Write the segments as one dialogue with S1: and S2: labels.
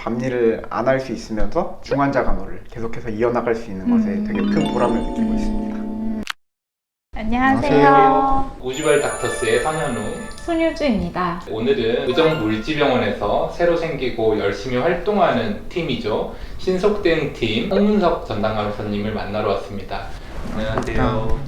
S1: 밤일을 안 할 수 있으면서 중환자 간호를 계속해서 이어나갈 수 있는 것에 되게 큰 보람을 느끼고 있습니다.
S2: 안녕하세요.
S3: 우주별 닥터스의 선현우,
S2: 손유주입니다.
S3: 오늘은 의정물지병원에서 새로 생기고 열심히 활동하는 팀이죠. 신속대응팀 홍문석 전담간호사님을 만나러 왔습니다. 안녕하세요.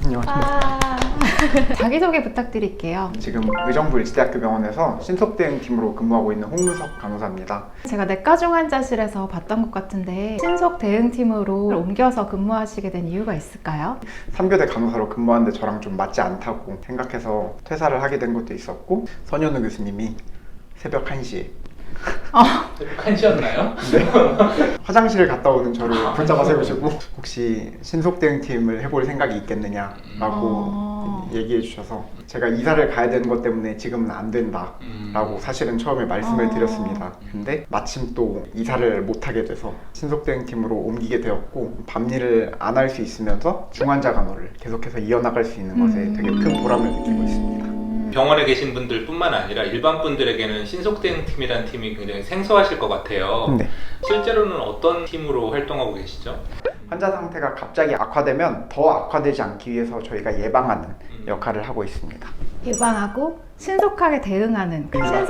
S2: 자기소개 부탁드릴게요.
S1: 지금 의정부일지대학교병원에서 신속대응팀으로 근무하고 있는 홍문석 간호사입니다.
S2: 제가 내과 중환자실에서 봤던 것 같은데 신속대응팀으로 옮겨서 근무하시게 된 이유가 있을까요?
S1: 3교대 간호사로 근무하는데 저랑 좀 맞지 않다고 생각해서 퇴사를 하게 된 것도 있었고, 선현우 교수님이 새벽 1시에
S3: 새벽 1시였나요?
S1: 네. 화장실을 갔다 오는 저를 붙잡아 세우시고 혹시 신속대응팀을 해볼 생각이 있겠느냐라고 얘기해 주셔서 제가 이사를 가야 되는 것 때문에 지금은 안 된다 라고 사실은 처음에 말씀을 드렸습니다. 근데 마침 또 이사를 못하게 돼서 신속대응팀으로 옮기게 되었고, 밤일을 안 할 수 있으면서 중환자 간호를 계속해서 이어나갈 수 있는 것에 되게 큰 보람을 느끼고 있습니다.
S3: 병원에 계신 분들 뿐만 아니라 일반 분들에게는 신속대응팀이라는 팀이 굉장히 생소하실 것 같아요.
S1: 네.
S3: 실제로는 어떤 팀으로 활동하고 계시죠?
S1: 환자 상태가 갑자기 악화되면 더 악화되지 않기 위해서 저희가 예방하는 역할을 하고 있습니다.
S2: 예방하고 신속하게 대응하는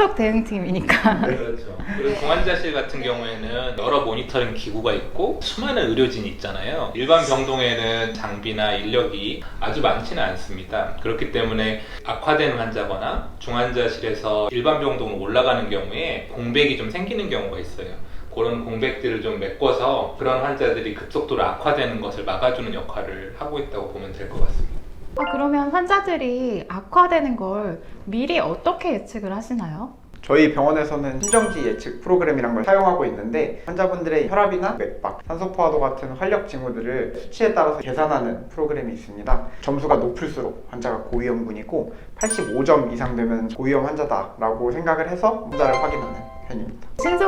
S2: 신속대응팀이니까.
S3: 그렇죠. 그리고 중환자실 같은 경우에는 여러 모니터링 기구가 있고 수많은 의료진이 있잖아요. 일반 병동에는 장비나 인력이 아주 많지는 않습니다. 그렇기 때문에 악화된 환자거나 중환자실에서 일반 병동으로 올라가는 경우에 공백이 좀 생기는 경우가 있어요. 그런 공백들을 좀 메꿔서 그런 환자들이 급속도로 악화되는 것을 막아주는 역할을 하고 있다고 보면 될 것 같습니다.
S2: 그러면 환자들이 악화되는 걸 미리 어떻게 예측을 하시나요?
S1: 저희 병원에서는 심정지 예측 프로그램이란 걸 사용하고 있는데, 환자분들의 혈압이나 맥박, 산소 포화도 같은 활력 징후들을 수치에 따라서 계산하는 프로그램이 있습니다. 점수가 높을수록 환자가 고위험군이고 85점 이상 되면 고위험 환자다라고 생각을 해서 환자를 확인하는 편입니다.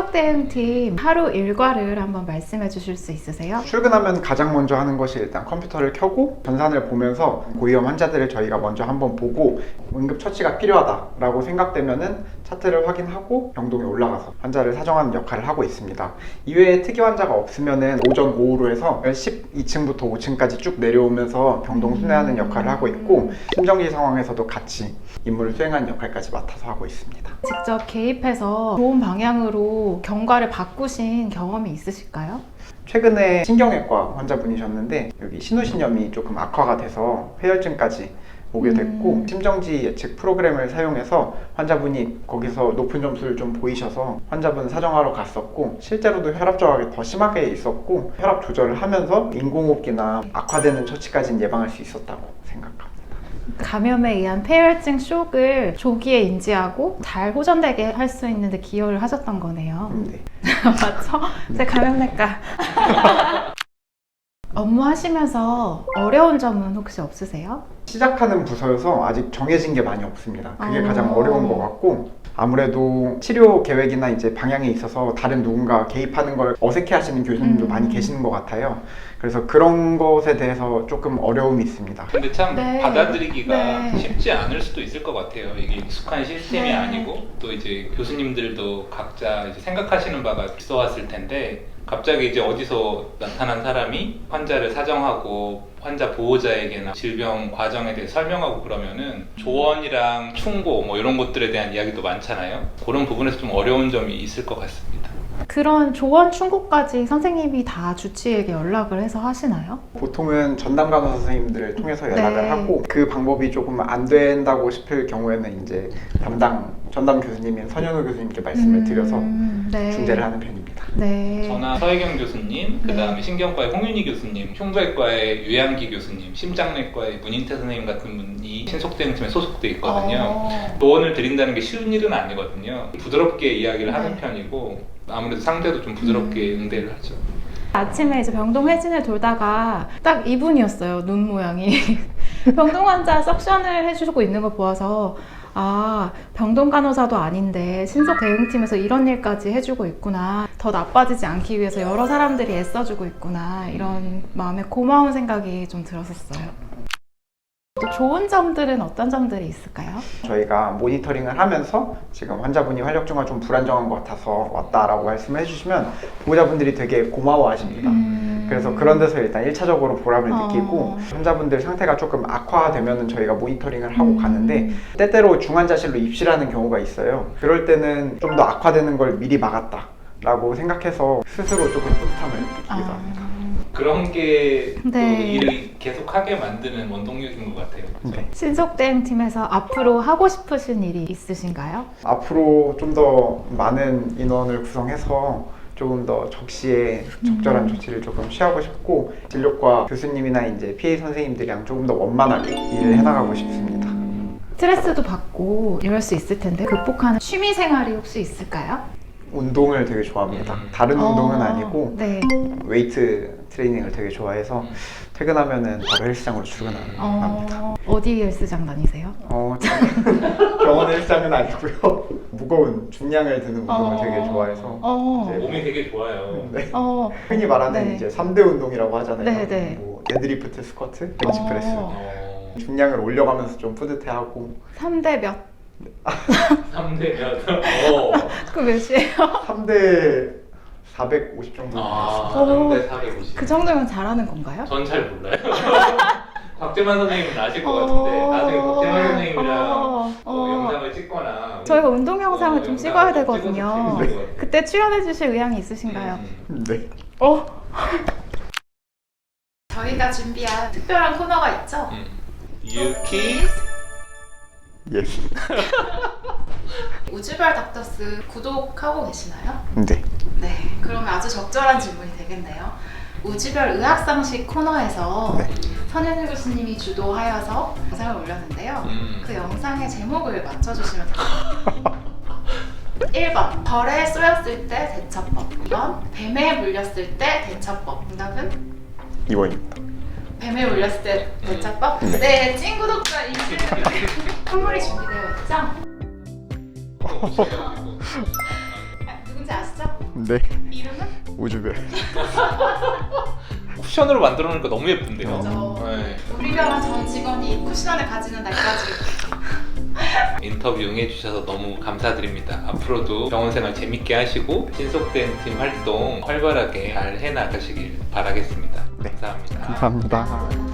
S2: 신속대응팀 하루 일과를 한번 말씀해 주실 수 있으세요?
S1: 출근하면 가장 먼저 하는 것이 일단 컴퓨터를 켜고 전산을 보면서 고위험 환자들을 저희가 먼저 한번 보고, 응급처치가 필요하다라고 생각되면은 차트를 확인하고 병동에 올라가서 환자를 사정하는 역할을 하고 있습니다. 이외에 특이 환자가 없으면은 오전, 오후로 해서 12층부터 5층까지 쭉 내려오면서 병동 순회하는 역할을 하고 있고, 심정지 상황에서도 같이 임무를 수행하는 역할까지 맡아서 하고 있습니다.
S2: 직접 개입해서 좋은 방향으로 경과를 바꾸신 경험이 있으실까요?
S1: 최근에 신경외과 환자분이셨는데 여기 신우신염이 조금 악화가 돼서 폐혈증까지 오게 됐고, 심정지 예측 프로그램을 사용해서 환자분이 거기서 높은 점수를 좀 보이셔서 환자분 사정하러 갔었고, 실제로도 혈압 저하가 더 심하게 있었고 혈압 조절을 하면서 인공호흡기나 악화되는 처치까지는 예방할 수 있었다고 생각합니다.
S2: 감염에 의한 폐혈증 쇼크를 조기에 인지하고 잘 호전되게 할 수 있는 데 기여를 하셨던 거네요.
S1: 네.
S2: 맞죠? 제 감염내과. 업무하시면서 어려운 점은 혹시 없으세요?
S1: 시작하는 부서여서 아직 정해진 게 많이 없습니다. 그게 가장 어려운 것 같고, 아무래도 치료 계획이나 이제 방향에 있어서 다른 누군가 개입하는 걸 어색해 하시는 교수님도 많이 계시는 것 같아요. 그래서 그런 것에 대해서 조금 어려움이 있습니다.
S3: 근데 참
S2: 네.
S3: 받아들이기가
S2: 네.
S3: 쉽지 않을 수도 있을 것 같아요. 이게 익숙한 시스템이
S2: 네.
S3: 아니고, 또 이제 교수님들도 각자 이제 생각하시는 바가 있어왔을 텐데, 갑자기 이제 어디서 나타난 사람이 환자를 사정하고 환자 보호자에게나 질병 과정에 대해 설명하고 그러면은 조언이랑 충고 뭐 이런 것들에 대한 이야기도 많잖아요. 그런 부분에서 좀 어려운 점이 있을 것 같습니다.
S2: 그런 조언 충고까지 선생님이 다 주치의에게 연락을 해서 하시나요?
S1: 보통은 전담 간호사 선생님들을 통해서 연락을
S2: 네.
S1: 하고, 그 방법이 조금 안 된다고 싶을 경우에는 이제 전담 교수님인 선현우 교수님께 말씀을 드려서
S2: 네.
S1: 중재를 하는 편입니다.
S2: 네.
S3: 저나 서혜경 교수님, 그 다음에
S2: 네.
S3: 신경과의 홍윤희 교수님, 흉부외과의 유양기 교수님, 심장내과의 문인태 선생님 같은 분이 신속대응팀에 소속돼 있거든요. 조언을 드린다는 게 쉬운 일은 아니거든요. 부드럽게 이야기를 하는 편이고, 아무래도 상대도 좀 부드럽게 응대를 하죠.
S2: 아침에 이제 병동 회진을 돌다가 딱 이분이었어요. 눈 모양이. 병동 환자 석션을 해주고 있는 걸 보아서, 병동 간호사도 아닌데 신속 대응팀에서 이런 일까지 해주고 있구나. 더 나빠지지 않기 위해서 여러 사람들이 애써주고 있구나. 이런 마음에 고마운 생각이 좀 들었었어요. 또 좋은 점들은 어떤 점들이 있을까요?
S1: 저희가 모니터링을 하면서 지금 환자분이 활력 중가 좀 불안정한 것 같아서 왔다라고 말씀을 해주시면 보호자분들이 되게 고마워하십니다. 그래서 그런 데서 일단 1차적으로 보람을 느끼고 환자분들 상태가 조금 악화되면은 저희가 모니터링을 하고 가는데 때때로 중환자실로 입실하는 경우가 있어요. 그럴 때는 좀 더 악화되는 걸 미리 막았다라고 생각해서 스스로 조금 뿌듯함을 느끼기도 합니다.
S3: 그런 게 또
S2: 네.
S3: 일을 계속하게 만드는 원동력인 것 같아요. 그렇죠?
S1: 네.
S2: 신속대응 팀에서 앞으로 하고 싶으신 일이 있으신가요?
S1: 앞으로 좀 더 많은 인원을 구성해서 조금 더 적시에 적절한 조치를 조금 취하고 싶고 진료과 교수님이나 이제 PA 선생님들이랑 조금 더 원만하게 일을 해나가고 싶습니다.
S2: 스트레스도 받고 이럴 수 있을 텐데 극복하는 취미 생활이 혹시 있을까요?
S1: 운동을 되게 좋아합니다. 다른 운동은 아니고
S2: 네.
S1: 웨이트 트레이닝을 되게 좋아해서 퇴근하면은 바로 헬스장으로 출근합니다.
S2: 어디 헬스장 다니세요?
S1: 병원 헬스장은 아니고요. 무거운 중량을 드는 운동을 되게 좋아해서 이제
S3: 몸이 되게 좋아요.
S1: 네.
S2: 어,
S1: 흔히 말하는
S2: 네.
S1: 이제 3대 운동이라고 하잖아요.
S2: 네, 네.
S1: 뭐 데드리프트, 스쿼트, 벤치프레스.
S3: 어,
S1: 중량을 올려가면서 좀 뿌듯해하고
S2: 3대 몇?
S3: 3대 몇?
S2: 그 몇이에요?
S1: 3대 450 정도.
S3: 아,
S2: 어.
S3: 3대 450.
S2: 그 정도면 잘하는 건가요?
S3: 전 잘 몰라요. 곽재만 선생님은 아실 것 같은데 나중에 곽재만 선생님이랑 영상을 찍거나
S2: 저희가 운동 영상을 좀 찍어야
S3: 영상을 좀
S2: 되거든요.
S3: 찍어서 재밌을 것 같아요.
S2: 그때 출연해 주실 의향이 있으신가요?
S1: 네.
S2: 저희가 준비한 특별한 코너가 있죠?
S3: 유키
S1: 예.
S2: 우주별 닥터스 구독하고 계시나요?
S1: 네.
S2: 네, 그러면 아주 적절한 질문이 되겠네요. 우주별 의학상식 코너에서
S1: 네.
S2: 선현일 교수님이 주도하여서 영상을 올렸는데요. 그 영상의 제목을 맞춰주시면 됩니다. 1번 벌에 쏘였을 때 대처법. 2번 뱀에 물렸을 때 대처법. 정답은?
S1: 2번입니다.
S2: 뱀에 물렸을 때 대처법? 네, 찐 구독자 이시는 선물이 준비되어 있죠? 누군지 아시죠?
S1: 네.
S2: 이름은?
S1: 우주별.
S3: 쿠션으로 만들어 놓으니까 너무 예쁜데요.
S2: 그죠.
S3: 네.
S2: 우리 병원 전 직원이 쿠션을 가지는 날까지
S3: 인터뷰 응해주셔서 너무 감사드립니다. 앞으로도 병원 생활 재밌게 하시고 신속된 팀 활동 활발하게 잘 해나가시길 바라겠습니다.
S1: 네.
S3: 감사합니다.
S1: 감사합니다.